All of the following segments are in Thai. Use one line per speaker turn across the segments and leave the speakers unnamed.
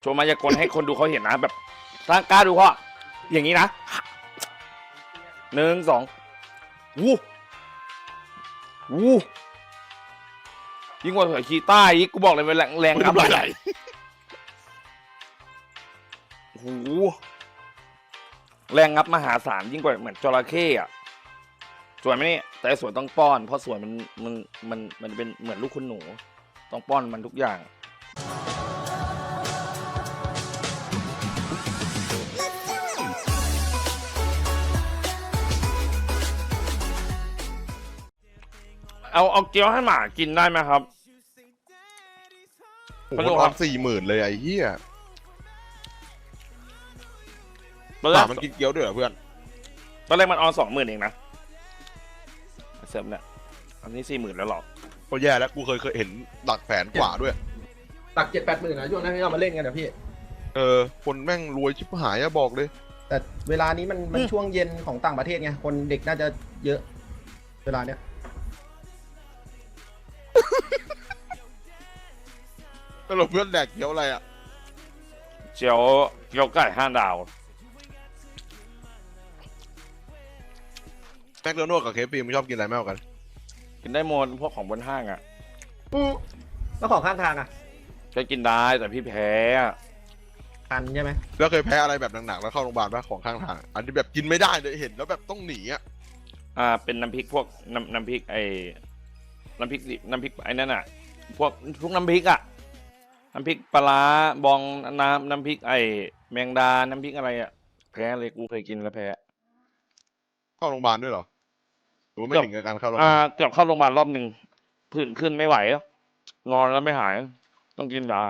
ว์มายากลให้คนดูเขาเห็นนะแบบถ้ากล้าดูเพราะอย่างนี้นะ1 2วู้วู้ยิ่งกว่าเสือชีต้าอีกกูบอกเลยเป็นแรงงับไหลโอ้โหแรงงับมหาศาลยิ่งกว่าเหมือนจระเข้อะสวยไหมนี่แต่สวยต้องป้อนเพราะสวยมันเป็นเหมือนลูกคุณหนูต้องป้อนมันทุกอย่างเอาเกี๊ยวให้หมากินได้ไหมครับ
โอ้โหมัน40,000เลยไอ้เหี้ยหมามันกินเกี๊ยวด้วยเหรอเพื่อน
ตอนแรกมัน20,000เองนะเสริมเนี่ยอันนี้40,000แล้วหรอ
ก็แย่แล้วกูเคยเห็นหลักแสนกว่าด้วย
หลัก7-8 หมื่นนะช่วงนั้นที่เรามาเล่นกันนะพี่
คนแม่งรวยชิบหายอะบอกเลย
แต่เวลานี้มันช่วงเย็นของต่างประเทศไงคนเด็กน่าจะเยอะเวลาเนี้ย
ตลกเพื่อนแดกเกี๊ยวอะไรอะ
เกี๊ยวไก่5 ดาว
แม็กโดนัลด์กับเคฟซีมึงชอบกินอะไรมากกว่ากัน
กินได้หมดพวกของบนห้างอ่ะ
แล้วของข้างทางอ่ะ
ก็กินได้แต่พี่แพ้
คันใช่ไหม
แล้วเคยแพ้อะไรแบบหนักๆแล้วเข้าโรงพยาบาลป่ะของข้างทางอันที่แบบกินไม่ได้เลยเห็นแล้วแบบต้องหนีอ่ะ
เป็นน้ำพริกพวกน้ำพริกน้ำพริกไอ้นั่นอ่ะพวกน้ำพริกอ่ะน้ำพริกปลาบองน้ำพริกแมงดาน้ำพริกอะไรอ่ะแพ้เลยกูเคยกินแล้วแพ้
เข้าโรงพยาบาลด้วยเหรอหรือไม่ถึงกับการเข้าโรงพยาบาล
เกือบเข้าโรงพยาบาลรอบหนึ่งผื่นขึ้นไม่ไหวนอนแล้วไม่หายต้องกินยา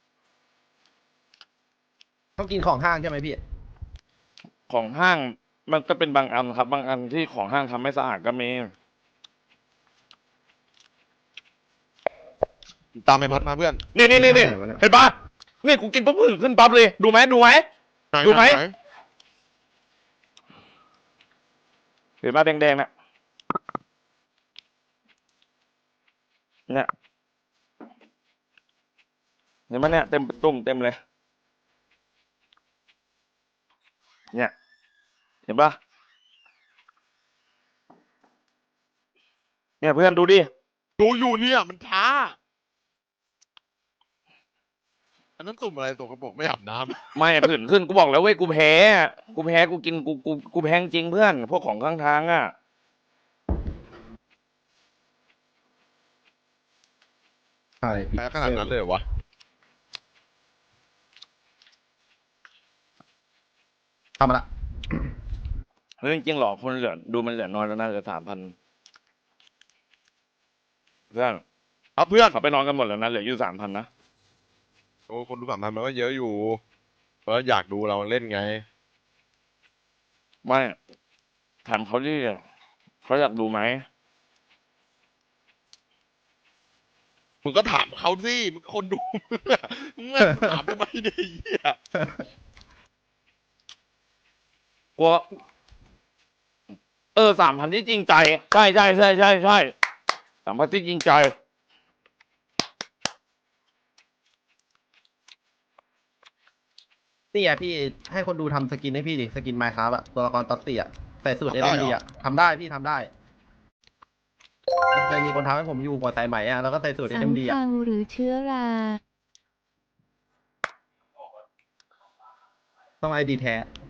ต้องกินของห้างใช่ไหมพี่
ของห้างมันก็เป็นบางอันครับบางอันที่ของห้างทำไม่สะอาดก็มี
ตามไปพัดมาเพื่อน
นี่เห็นปะนี่กูกินปุ๊บผื่นขึ้นปั๊บเลยดูไหมเห็นปะแดงๆน่ะเนี่ยเห็นไหมเนี่ยเต็มตุ่มเต็มเลยเนี่ยเห็นปะเนี่ยเพื่อนดูดิ
ดูอยู่เนี่ยมันช้าอันนั้นตุ่มอะไรตัวกระบอกไม่อาบน้ำ
ไม่ผื่นขึ้นกูบอกแล้วเว้ยกูแพ้กูกินกูแพ้จริงเพื่อนพวกของข้างทางอ่ะ
ใช่
แพ้ขนาดนั้นเลยวะ
ทำมาละ
เฮ้ยจริงๆหรอคนเหลือดูมันเหลือน้อยแล้วน่าจะ3,000เพื่อน
ครับเพื่อน
เขาไปนอนกันหมดแล้วนะเหลืออยู่3,000นะ
โอ้คนดู3,000มันก็เยอะอยู่เพราะอยากดูเราเล่นไง
ไม่ถามเขาดิเขาอยากดูไหม
มึงก็ถามเขาสิมึงคนดูมึงถามทำไมเนี่ยเหี้ย
กลัว3,000ที่จริงใจใช่3,000ที่จริงใจ
นี่อ่ะพี่ให้คนดูทำสกินให้พี่ดิสกินไมค์ครับอะตัวละครต๊อตตี้อะใส่สูตรSMDอะทำได้พี่ทำได้เคยมีคนทำให้ผมอยู่กว่าสายไหมอะแล้วก็ใส่สูตร SMD อะ
หรือเชื้อรา
ต้องไอดีแท้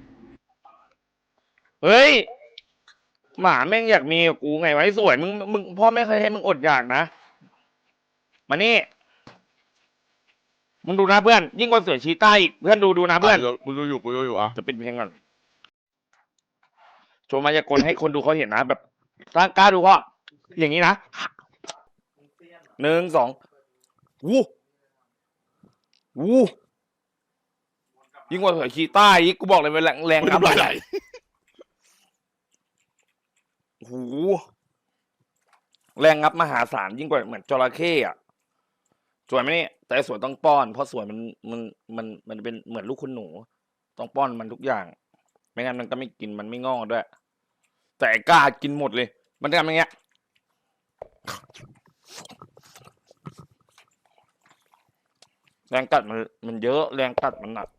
เฮ้ยหมาแม่งอยากมีกับกูไงไว้สวยมึงพ่อไม่เคยให้มึงอดอยากนะมานี่มึงดูนะเพื่อนยิ่งกว่าเสือชีต้าอีกเพื่อนดูนะเพื่อน
กูดูอยู่อ่ะ
จะเป็นเพลงก่อนโชว์มายากลให้คนดูเขาเห็นนะแบบถ้ากล้าดูเพราะอย่างนี้นะ1 2วู้วู้ยิ่งกว่าเสือชีต้าอีกกูบอกเลยเป็นแรงงับไหลโอ้โหแรงงับมหาศาลยิ่งกว่าเหมือนจระเข้อะสวยไหมนี่แต่สวยต้องป้อนเพราะสวยมันเป็นเหมือนลูกคุณหนูต้องป้อนมันทุกอย่างไม่งั้นมันก็ไม่กินมันไม่งอกด้วยแต่กล้ากินหมดเลยมันทำอย่างเงี้ยแรงกัดมันเยอะแรงกัดมันหนัก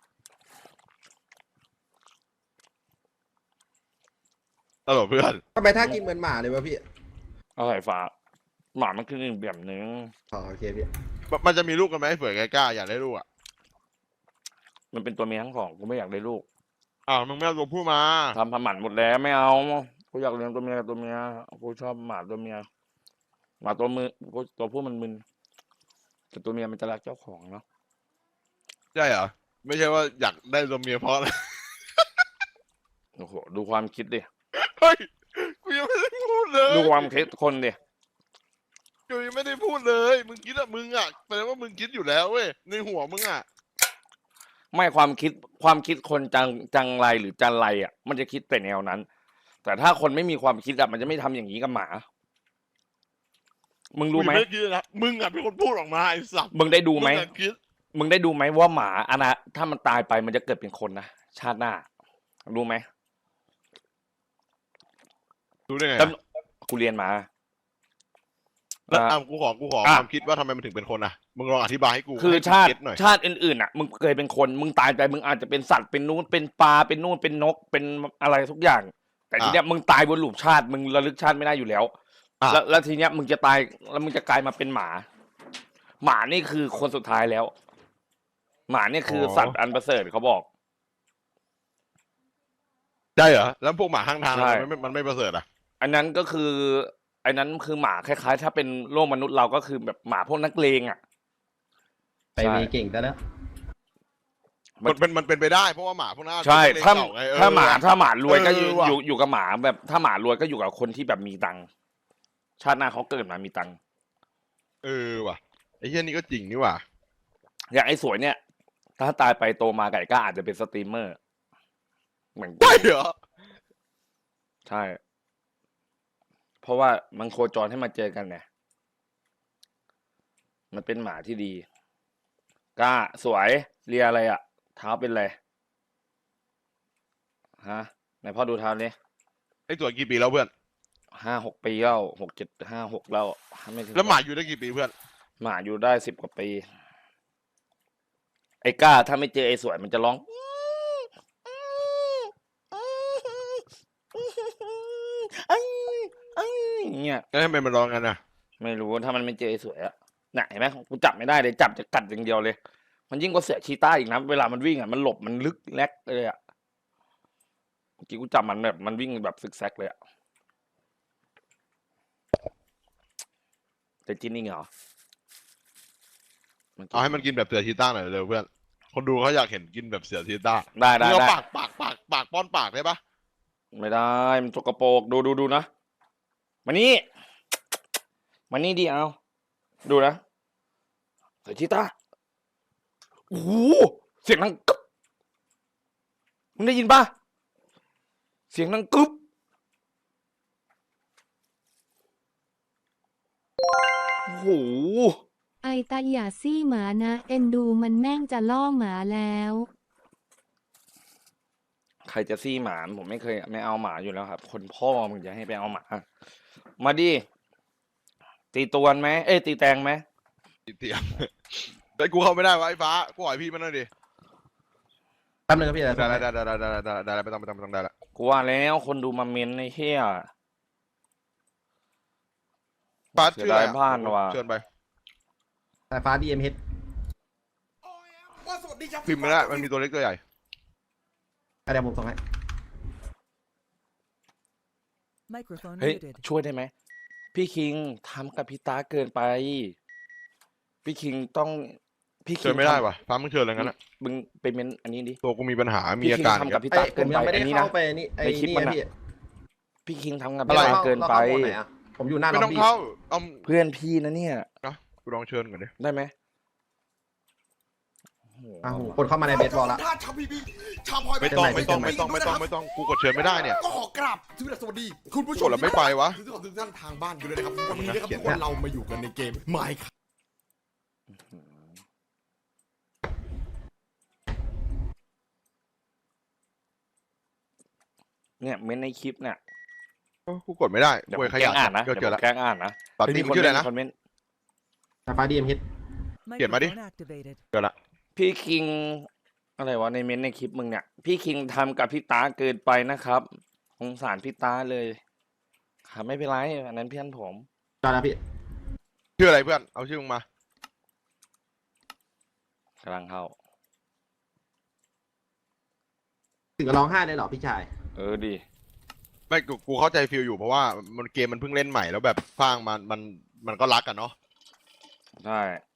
ตลกเพื่อน
ทำไมถ้ากินเหมือนหมาเลยวะพี่
อะไรฟ้าหมามันคืออีกแบบนึง
อ๋อโอเคพี่
มันจะมีลูกกันไหมเผื่อแกกล้าอยากได้ลูกอ่ะ
มันเป็นตัวเมียทั้งสองกูไม่อยากได้ลูก
อ้าวมึงไม่เอาตัวผู้มา
ทำหมันหมดแล้วไม่เอากูอยากเลี้ยงตัวเมียกับตัวเมียกูชอบหมาตัวเมียหมาตัวมือกูตัวผู้มันมึนแต่ตัวเมียมันจะรักเจ้าของเนาะ
ใช่เหรอไม่ใช่ว่าอยากได้ตัวเมียเพราะอะไร
โอ้โหดูความคิดดิ
เฮ้ยกูยังไม่ได้พูดเลย
ดูความคิดคนดิ
กูยังไม่ได้พูดเลยมึงคิดอะมึงอะแปลว่ามึงคิดอยู่แล้วเว้ยในหัวมึงอะ
ไม่ความคิดคนจังไรหรือจันไรอ่ะ มันจะคิดแต่แนวนั้น แต่ถ้าคนไม่มีความคิดอ่ะมันจะไม่ทำอย่างนี้กับหมา มึงรู้ไหม
กูยังด้คิดนะมึงอะเป็นคนพูดออกมาไอ้สัตว์
มึงได้ดูไหม
งอะคิด
มึงได้ดูไหมว่าหมาถ้ามันตายไปมันจะเกิดเป็นคนนะชาติหน้ารู้ไหม
รู้ได้ไง
แล้วกูเรียนมา
แล้ว
อ่ะ
กูขอ
อ่ะ
ความคิดว่าทำไมมันถึงเป็นคนอะมึงลองอธิบายให้กู
คือ
ให้กู
ชาติ
เก็ตหน่อย
ชาติอื่นๆอ่ะ มึงเคยเป็นคน มึงตายไปมึงอาจจะเป็นสัตว์เป็นนู้นเป็นปลาเป็นนู่นเป็นนกเป็นอะไรทุกอย่าง แต่ทีเนี้ยมึงตายบนหลุมชาติมึงระลึกชาติไม่ได้อยู่แล้ว
อ่ะ
แล้วทีเนี้ยมึงจะตายแล้วมึงจะกลายมาเป็นหมา หมานี่คือคนสุดท้ายแล้ว หมานี่คือสัตว์อันประเสริฐเขาบอก
ใช่เหรอแล้วพวกหมาข้างทาง
ใช่
มันไม่ประเสริฐอะ
อันนั้นก็คืออันนั้นคือหมาคล้ายๆ ถ้าเป็นโลกมนุษย์เราก็คือแบบหมาพวกนักเลงอ่ะ
ไปมีเก่งซะแล้ว
มันเป็นไปได้เพราะว่าหมาพวกนั้น
ใช่
เป็น
ถ้า
เก่ไงเออ
ถ้าหมารวยก็อยู่
เออว่ะ
อยู่กับหมาแบบ ถ้าหมารวยก็อยู่กับคนที่แบบมีตังค์ชาติหน้าเขาเกิดมามีตังค์
เออว่ะไอ้เหี้ยนี่ก็จริงนี่ว่ะ
อย่างไอ้สวยเนี่ย ถ้าตายไปโตมาไก่ก็อาจจะเป็นสตรีมเมอร์ เหมือนกู
ใช่เหรอ
ใช่ เพราะว่ามันโคจรให้มาเจอกันไงมันเป็นหมาที่ดีกล้าสวยเลียอะไรอ่ะ เท้าเป็นอะไรฮะไหนพ่อดูเท้านี้
ไอ้ตัวกี่ปีแล้วเพื่อน
5-6 ปีแล้ว6-7-5-6แล้วไม่ถึง
แล้วหมาอยู่ได้กี่ปีเพื่อน
หมาอยู่ได้10 กว่าปี ไอ้ก้าถ้าไม่เจอไอ้สวยมันจะร้องอย่างเงี้ย
แล้วทำไมมันร้องกันอะ
ไม่รู้ถ้ามันไม่เจอไอ้สวยอะน่ะเห็นไหมกูจับไม่ได้เลยจับจะกัดอย่างเดียวเลย มันยิ่งกว่าเสือชีต้าอีกนะเวลามันวิ่งอะมันหลบมันลึกแลกเลยอะเมื่อกี้กูจับมันแบบมันวิ่งแบบซึกแซกเลยอะแต่จินนี่เหรอ
เอาให้มันกินแบบเสือชีต้าหน่อยเร็วเพื่อนคนดูเขาอยากเห็นกินแบบเสือชีต้า
ได้
มึงเอา
ได้
ปากป้อนปากได้ปะ
ไม่ได้มันสกปรกดูนะมานี่มานี่ดิเอาดูนะเสือชีต้าโอ้โหเสียงดังกึ๊บมึงได้ยินปะเสียงดังกึ๊บโอ้โห
ไอตาอย่าซี่หมานะ เอ็นดูมันแม่งจะล่อหมาแล้ว
ใครจะซี่หมาผมไม่เคยไม่เอาหมาอยู่แล้วครับ คนพ่อมึงจะให้ไปเอาหมา มาดิตีตวนไหมเอ้ยตีแตงไหม
เตียมแต่กูเข้าไม่ได้วะไอ้ฟ้ากูขอให้พี่มันหน่อยดิ
แป๊บนึงครับพี่
ได้
ได้
ได้ไม่ต้องได้ละ
กูว่าแล้วคนดูมาเมนในเฮีย
ฟ้า
เสีย
ชื่ออะไร
ดายบ้านว่ะ
เชิญไป
สายฟ้า DMH
พิมพ์ไม่ได้มันมีตัวเล็กตัวใหญ่
เดี๋ยวผมส่งให้
Microphone
เฮ้ย
muted.
ช่วยได้ไหมพี่คิงทำกับพี่ตาเกินไป พี่คิงต้องพี่คิ
เชิญ
ง
ไม่ได้
ทำ
ว่ะฟ้ามึงเชิญอะไรงั้นอะ
มึงไปเมนอันนี้ดิ
ตัวกูมีปัญหามี
พี่
อา
คิง
การ
ทำกับพี่
เอ้
ตาย
ผ
เกิน
ม
ไป
ยังไม่ได้
อันนี้นะ
เข้าไปนี่ไอ้
ในคลิป
นี่
มัน
นะ
อะ
พี่
พี่คิงทำกับ
อะ
พี่
ไร
ตาเกินไป
ราข้าโหมดไหนอะผมอยู่หน้า
ไม่
ล็
ต้
อ
อบ ง
บี้
เข้าเอา
เพื่อนพี่นะเนี่ย
กูลองเชิญก่อนดิ
ได้ไหมโอ้โห
อ้าวคนเข้ามาในเบสบอลละ
ถ้าชาวพีบีชาวพลอย
ไม่ต้องกูกดเชิญไม่ได้เนี่ย
ก็ขอกราบสวัสดี คุณผู้ช
ก
ม
ดแล้วไม่ไปวะ
ทุกท่านทางบ้านกันเลยนะครับวันนี้นะครับทุกคนเรามาอยู่กันในเกมไมค์ครับ
เนี่ยเมนในคลิปเนี่ย
กูกดไม่ได้
เดี๋ยว
กู
ผม
ข
แกล้
ยั
งอ่านนะ
เจ
เดี๋ยว
อ
ผม
แล้ว
แกล้งอ่านนะ
ปาร์ตี้มึงชื่ออะไรนะ
คอมเมนต์
สายฟ้า DMH
เขียนมาดิ
Microphone activated.
เดี๋ยวละ
พี่คิง อะไรวะในเม้นต์ในคลิปมึงเนี่ย พี่คิงทำกับพี่ตาเกินไปนะครับสงสารพี่ตาเลยค่ะไม่เป็นไรอันนั้นเพื่อนผม
จอนะพี่
ชื่ออะไรเพื่อนเอาชื่อมึงมาก
ำลังเข้า
ถึงกับร้องไห้เลยเหรอพี่ชาย
ดี
ไม่กูเข้าใจฟิลอยู่เพราะว่ามันเกมมันเพิ่งเล่นใหม่แล้วแบบสร้างมันก็รักกันเนาะ
ใช่